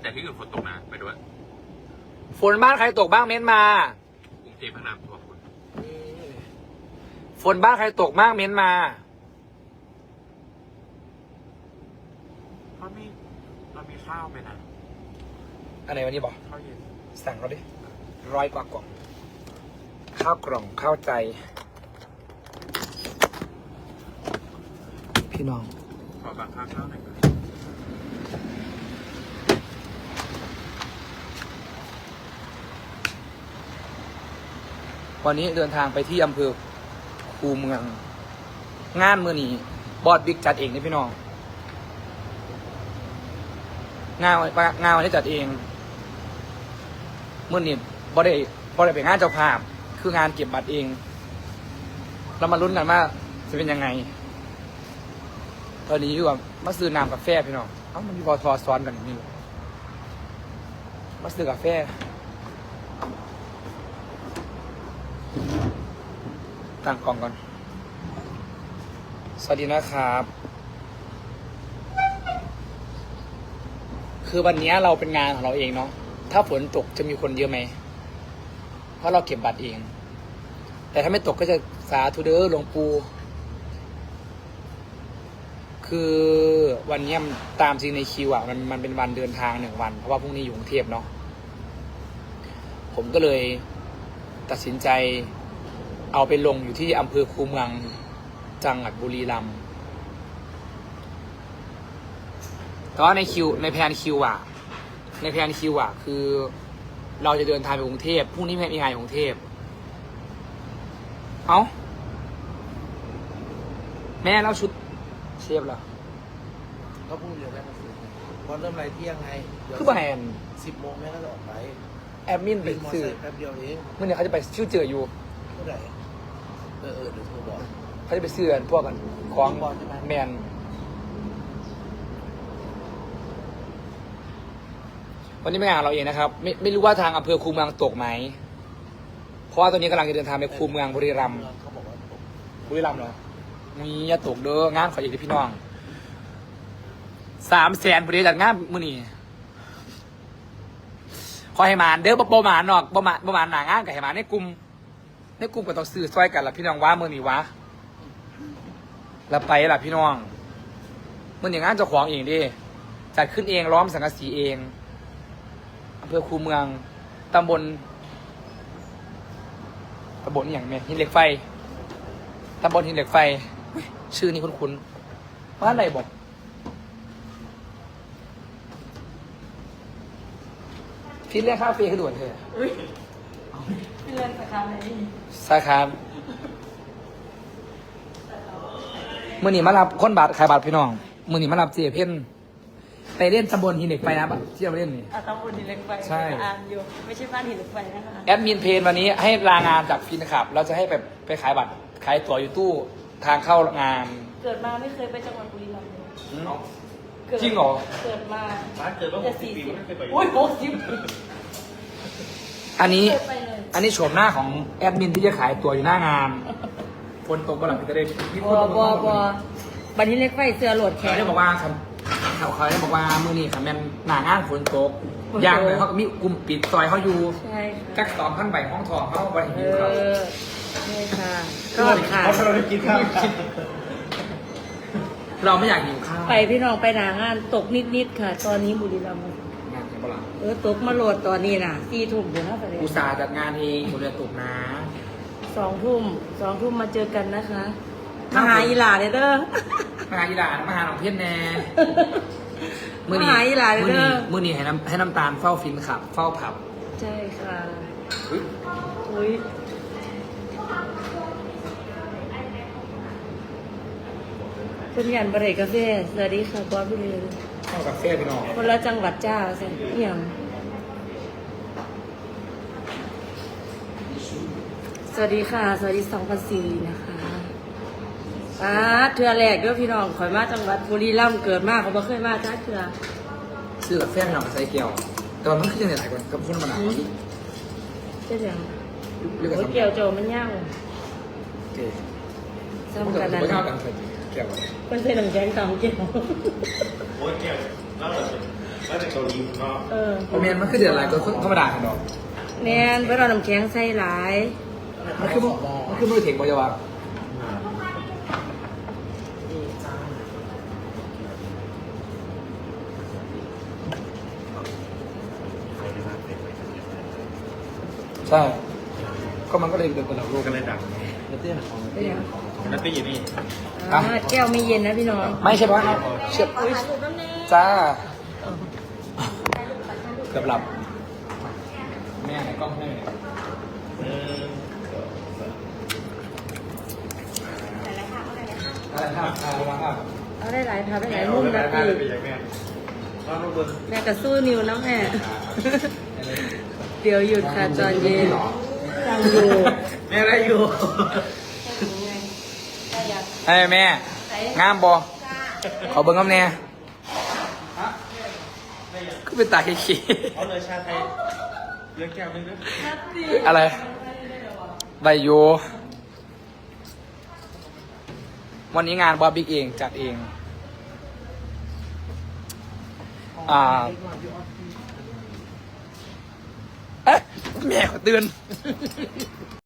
แต่ที่อื่นฝนตกนะไปด้วยฝนบ้านใครตกบ้างเม้นมากรุงเทพพระนามท่วมคุณฝนบ้านใครตกบ้างเม้นมาเรามีข้าวไหมนะอันไหนวันนี้บอกข้าวเย็นสั่งเขาดิ100 กว่ากล่องข้าวกล่องข้าวใจ พี่น้องขอบางข้าวหน่อยวันนี้เดินทางไปที่อำเภอคูเมือง งานมื้อนี้บอสบิ๊กจัดเองนี่พี่น้องงานวันนี้จัดเองมื้อนี้บอสได้ไปงานเจ้าภาพคืองานเก็บบัตรเองเรามาลุ้นกันว่าจะเป็นยังไงตอนนี้อยู่กับมาซื้อน้ำกาแฟพี่น้องเอ้ามันมีบอทอซ้อนกันอย่างนี้เลยมาซื้อกาแฟตั้งกล่องก่อนสวัสดีนะครับ คือวันนี้เราเป็นงานของเราเองเนาะ ถ้าฝนตกจะมีคนเยอะไหม เพราะเราเก็บบัตรเอง แต่ถ้าไม่ตกก็จะสาธุเด้อหลวงปู่ คือวันนี้ตามจริงในคิวอ่ะมันเป็นวันเดินทาง1 วัน เพราะว่าพรุ่งนี้อยู่กรุงเทพเนาะ ผมก็เลยตัดสินใจเอาไปลงอยู่ที่อำเภอคูเมืองจังหวัดบุรีรัมย์แต่ว่าในแผนคิวอ่ะ คือเราจะเดินทางไปกรุงเทพพรุ่งนี้มีงานอยู่กรุงเทพแม่เราชุดเชฟเหรอก็พูดเดี๋ยวแม่มาซื้อพอเริ่มไรเที่ยงไงเดี๋ยวคือแบรนด์ 10 โมงแม่ก็จะออกไปแอดมินไปเป็นมอซื้อไซค์แป๊บเดียวเองเมื่อนี้เขาจะไปชื่อเจออยู่เท่าไหร่เดี๋ยวโทรบอกเขาจะไปซื้อพวกกันของบอลใช่ไหมแมนวันนี้ไม่งานเราเองนะครับ ไม่รู้ว่าทางอำเภอคูเมืองตกไหม เพราะว่าตอนนี้กำลังจะเดินทางไปคูเมืองบุรีรัมย์เขาบอกว่าตกบุรีรัมย์เหรอมีอย่าตกเด้องานขออีกที่พี่น้อง300,000บริษัทงานมื้อนี้ขอให้หมานเด้อบ่หมานนอกบ่หมานหนางานกับให้หมานในกลุ่มก็ต้องซื้อซอยกันล่ะพี่น้องว่ามื้อนี้วะแล้วไปล่ะพี่น้องมื้อนี้งานเจ้าของเองดิจัดขึ้นเองล้อมสังกะสีเองอำเภอคูเมืองตำบลนี่อย่างแม่หินเหล็กไฟตำบลหินเหล็กไฟอุ๊ยชื่อนี้คุ้นๆว่าอะไรบอกพี่เรียกค่าฟรีคือด่วนเถอะพี่เล่นสาขาไหนสาขามื่อนี้มารับคนบาทขายบาทพี่น้องมื่อนี้มารับเจเพ่นไปเล่นตำบลหินเหล็กไฟนะที่เราเล่นนี่ตำบลหินเหล็กไฟใช่อ่านอยู่ไม่ใช่บ้านหินเหล็กไฟนะคะแอดมินเพนวันนี้ให้ลางานจากฟินขับ เราจะให้ไปขายบัตรขายตั๋วอยู่ตู้ทางเข้างานเกิดมาไม่เคยไปจังหวัดบุรีรัมย์เลยจริงเหรอเกิดมาร้านเกิดว่าจะ 60 ปีไม่เคยไปโอ้ย60 ปีอันนี้ไม่เคยไปเลยอันนี้โฉมหน้าของแอดมินที่จะขายตั๋วอยู่หน้างานคนตกก็หลังจะได้มีคนตกบัวบันหินเหล็กไฟเสือโหลดแขเขานได้บอกว่าครับเขาได้บอกว่ามือนี้ค่ะแม่นหนางานฝนตกอย่างเลยเขาก็มีกลุ่มปิดซอยเขาอยู่ใช่กัค่ะก2,000 ใบห้องทองเขาบริเอหิวเขาอนี่ค่ะก็ค่ะเราได้กินข้าวเราไม่อยากหิวข้าวไปพี่น้องไปหนางานตกนิดๆค่ะ ตอนนี้บุรีรัมย์งานเห็นปะล่ะตกมาโหลดตอนนี้น่ะ4 ทุ่มเดี๋ยวนะไปเลยอุตส่าห์จัดงานเองคนเรียนตกนะ 2 ทุ่มมาเจอกันนะคะมาหาอีหลาเลยเด้อมาหาอีหลานมาหาหนองเพี้ยนแน่มาหาอีหลานเด้อมือนี้ให้น้ำตาลเฝ้าฟินขับ เฝ้าผับใช่ค่ะอุ๊ยอุ้ยเป็นงานบริกาแฟสวัสดีค่ะบอสพี่เลยเข้ากาแฟพี่น้องคนละจังหวัดจ้าสิเอี่ยมสวัสดีค่ะ สวัสดี2004นะคะเทือแรกเด้วยพี่น้องข่อยมาจังหวัดบุรีรัมย์เกิดมากเขาบ่เคยมาจ้าเทือซื้อกาแฟพี่น้องใส่เกียวแต่ว่ามันคือจะไหนหลายคนกับคนมาหนาเจ๊เดียวเรียกโอ้ยกันเกี่ยวโจมันย่างโอเคซ้ำกันไม่นั้นเท่ากันใส่เกียวคนใส่หนังแกงตำเกี่ยวโอ้ยแก้วแล้วเหรอแล้วแต่เกาหลีผมก็ประเมนมันคือเดือดอะไรก็ธรรมดาเนาะแมนเพื่อเราน้ำแข็งใส่หลายมันคือมือเถียงบอยาวะใช่ก็มันก็เลยเดือดกว่าเราลูกกันเลยดังแล้วเตี้ยของเป็นยังนัตตี้อยู่นี่แก้วไม่เย็นนะพี่น้องไม่ใช่ปะเชื่อจ้าเกือบหลับแม่ไหนกล้องให้ไหนอะไรครับอะไรครับเอาได้หลายทับได้หลายมุมนะพี่เป็นยังไงก็ลูกเบิ้งแม่ก็สู้นิวนะแม่ เดี๋ยวหยุดค่ะตอนเย็นยังอยู่แม่ได้อยู่เฮ้ยแม่งามบอขอเบิ้งกับแน่ก็เป็นตาขี้เอาเลยชาไทยเลี้ยงแก้วนึงนะอะไรใบโยวันนี้งานบอบิ๊กเองจัดเองเอ๊ะแม่ขอเตือน